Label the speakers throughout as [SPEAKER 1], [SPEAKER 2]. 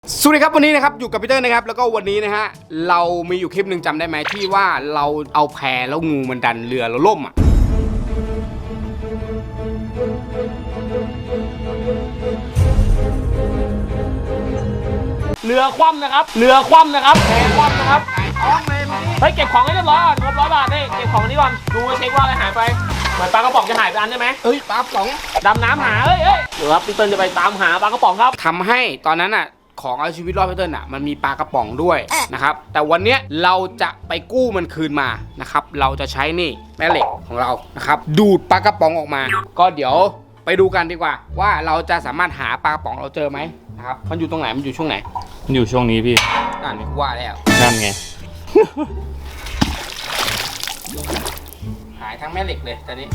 [SPEAKER 1] สวัสดีครับวันนี้นะครับอยู่กับพีเตอร์นะครับแล้วก็วันนี้นะฮะเรามีอยู่คลิปหนึ่งจำได้ไหมที่ว่าเราเอาแพแล้วงูมันดันเรือแล้วล่มอ่ะ
[SPEAKER 2] เรือคว่ำนะครับเรือคว่ำนะครับแพคว่ำนะครับเฮ้ยเก็บของให้เรียบร้อยก่อนงบ100 บาทนี่เก็บของนี้ก่อนดูเช็คว่าอะไรหายไปเหมือนปลากระป๋องจะหายไปอันใช่ไหม
[SPEAKER 1] เอ้ยปลาป๋อง
[SPEAKER 2] ดำน้ำหาเฮ้ยเดี๋ยวครับพี่เติ้ลจะไปตามหาปลากระป๋องครับ
[SPEAKER 1] ทำให้ตอนนั้นอ่ะของเอาชีวิตรอดพีเตอร์น่ะมันมีปลากระป๋องด้วยนะครับแต่วันเนี้ยเราจะไปกู้มันคืนมานะครับเราจะใช้นี่แม่เหล็กของเรานะครับดูดปลากระป๋องออกมา ก็เดี๋ยวไปดูกันดีกว่าว่าเราจะสามารถหาปลากระป๋องเราเจอไหมนะครับมันอยู่ตรงไหนมันอยู่ช่วงไหน
[SPEAKER 3] มันอยู่ช่วงนี้พี่
[SPEAKER 1] นี่ว่าแล้ว
[SPEAKER 3] นั่นไง
[SPEAKER 1] หายทั้งแม่เหล็กเลยตอนนี้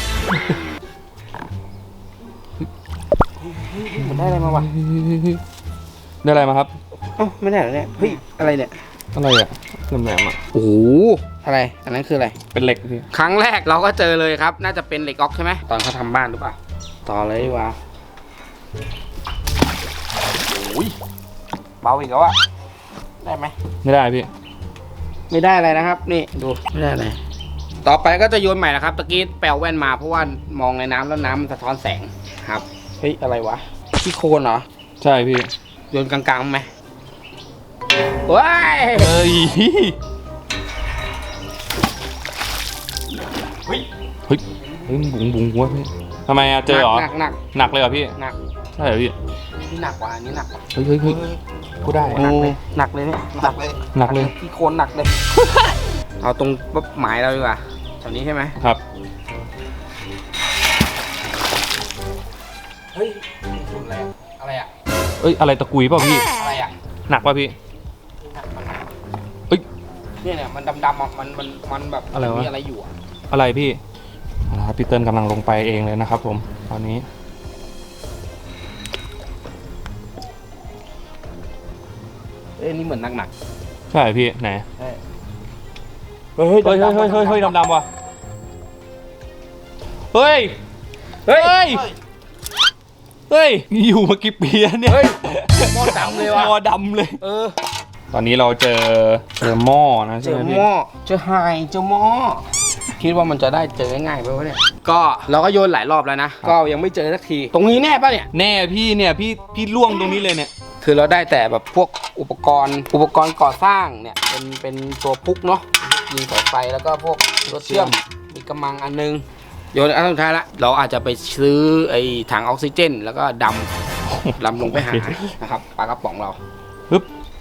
[SPEAKER 1] มันได้อะไรมาวะ
[SPEAKER 3] ได้อะไรมาครับ
[SPEAKER 1] เอ้าไม่ได้เหรอเนี่ยเฮ้ยอะไรเนี่ย
[SPEAKER 3] อะไรอ่ะแหลมๆอ่ะ
[SPEAKER 1] โอ้โหอะไรอันนั้นคืออะไร
[SPEAKER 3] เป็นเหล็กพี่
[SPEAKER 1] ครั้งแรกเราก็เจอเลยครับน่าจะเป็นเหล็กออกใช่ไหมตอนเขาทำบ้านหรือเปล่าต่อเลยดีกว่าโอ้ยเบาอีกแล้วอะได้ไหม
[SPEAKER 3] ไม่ได้พี่
[SPEAKER 1] ไม่ได้อะไรนะครับนี่ดูไม่ได้อะไรต่อไปก็จะโยนใหม่นะครับตะกี้แปลแว่นมาเพราะว่ามองในน้ำแล้วน้ำมันสะท้อนแสงครับเฮ้ยอะไรวะที่โคนเหรอ
[SPEAKER 3] ใช่พี่
[SPEAKER 1] โยนกลางๆไหมว้าย
[SPEAKER 3] เอ้ยเฮ้ยบุ๋งวะพี่ทำไมอะเจอเหรอ
[SPEAKER 1] หนัก
[SPEAKER 3] หนักเลยเหรอพี่
[SPEAKER 1] หนัก
[SPEAKER 3] ใช่เหรอพี่
[SPEAKER 1] นี่หนักกว่าอันนี้หนักกว่า
[SPEAKER 3] เฮ้ยกูได้
[SPEAKER 1] หนักเลยหนักเลยเนี่ยหนักเลย
[SPEAKER 3] หนักเลย
[SPEAKER 1] ที่โคนหนักเลย เอาตรงปั๊บหมายเราดีกว่าแถวนี้ใช่ไหม
[SPEAKER 3] ครับ
[SPEAKER 1] เฮ้ยสุดอะไรอะอะไรอะ
[SPEAKER 3] เอ้ยอะไรตะกุยเปล่าพี่
[SPEAKER 1] อะไรอะ
[SPEAKER 3] หนักป่ะพี่ เฮ้ย
[SPEAKER 1] เนี่ยมันดำๆอะมันแบบ
[SPEAKER 3] อะไรวะ
[SPEAKER 1] มีอะไรอยู่อะ
[SPEAKER 3] อะไรพี่เอาละครับพี่เติ้ลกำลังลงไปเองเลยนะครับผมตอนนี้
[SPEAKER 1] เอ้ยนี่เหมือนหนัก
[SPEAKER 3] ใช่พี่ไหน
[SPEAKER 1] ๆเฮ้ย
[SPEAKER 3] เฮ้ยดำๆว่ะเฮ้ย
[SPEAKER 1] เฮ้ย
[SPEAKER 3] เฮ้ยอยู่มากี่ปีแล้วเนี่ย
[SPEAKER 1] เฮ้ยหม้อดำเลยว่ะ
[SPEAKER 3] หม้อดำเลย
[SPEAKER 1] เออ
[SPEAKER 3] ตอนนี้เราเจอหม้อนะ
[SPEAKER 1] เจ
[SPEAKER 3] ใช่
[SPEAKER 1] อ
[SPEAKER 3] ไหม
[SPEAKER 1] ห
[SPEAKER 3] พี่
[SPEAKER 1] ม้อเจอไฮเจอหม้อคิดว่ามันจะได้เจอง่ายๆไปวะเนี่ยก็เราก็โยนหลายรอบแล้วนะก็ยังไม่เจอสักทีตรงนี้แน่ป่ะเนี่ย
[SPEAKER 3] แน่พี่เนี่ยพี่ล่วงตรงนี้เลยเนี่ย
[SPEAKER 1] คือเราได้แต่แบบพวกอุปกรณ์ก่อสร้างเนี่ยเป็นตัวพุกเนาะยิงสายไฟแล้วก็พวกรถเชื่อมมีกำมังอันนึงโยนอันสุดท้ายละเราอาจจะไปซื้อไอ้ถังออกซิเจน แล้วก็ดำลงไปหานะครับปลากระป๋องเรา
[SPEAKER 3] ปึ๊บ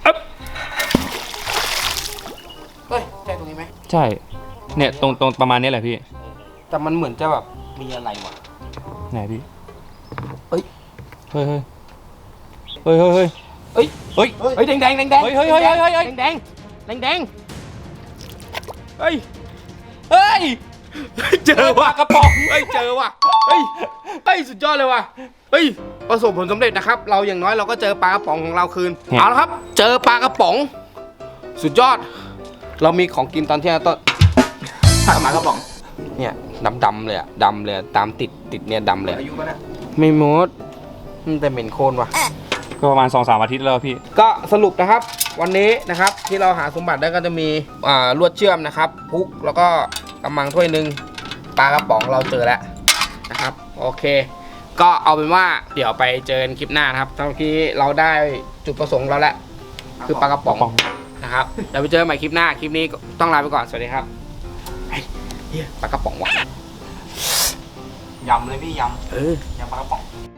[SPEAKER 1] เฮ้ยใช่ตรงนี้ไหม
[SPEAKER 3] ใช่เนี่ยตรงประมาณนี้แหละพี่
[SPEAKER 1] แต่มันเหมือนจะแบบมีอะไรวะ
[SPEAKER 3] ไหนพี่
[SPEAKER 1] เฮ้ย
[SPEAKER 3] เฮ้ย
[SPEAKER 1] เฮ้ย
[SPEAKER 3] เฮ้ย
[SPEAKER 1] เฮ้ยแดงแดงแดงแดง
[SPEAKER 3] เฮ้ย
[SPEAKER 1] แดงแดงแดงเฮ้ย
[SPEAKER 3] เฮ้ย
[SPEAKER 1] เจอว่ะ
[SPEAKER 3] กระป๋อง
[SPEAKER 1] เฮ้ยเจอว่ะเฮ้ยสุดยอดเลยว่ะเฮ้ยประสบผลสำเร็จนะครับ เราอย่างน้อยเราก็เจอปลากระป๋องของเราคืนเอาละครับ เจอปลากระป๋อง สุดยอด เรามีของกินตอนเที่ยงต้นปลากระป๋องเนี่ยดำเลยอะดำเลยตามติดเนี่ยดำเลยอายุป่ะเนี่ยไม่หมดมันแต่เหม็นโคลนว่ะ
[SPEAKER 3] ก็ประมาณ 2-3 อาทิตย์แล้วพี่
[SPEAKER 1] ก็สรุปนะครับวันนี้นะครับที่เราหาสมบัติได้ก็จะมีลวดเชื่อมนะครับพุกแล้วก็กำมังถ้วยหนึ่งปลากระป๋องเราเจอแล้วนะครับโอเค ก็เอาเป็นว่าเดี๋ยวไปเจอกันคลิปหน้านะครับเมื่อกี้เราได้จุดประสงค์เราแล้วคือปลากระป๋องนะครับเดี๋ยวไปเจอกันใหม่คลิปหน้าคลิปนี้ต้องลาไปก่อนสวัสดีครับเฮ้ยปลากระป๋องว่ะ
[SPEAKER 2] ยำเลยพี่ยำ
[SPEAKER 1] เออ
[SPEAKER 2] ยำปลากระป๋อง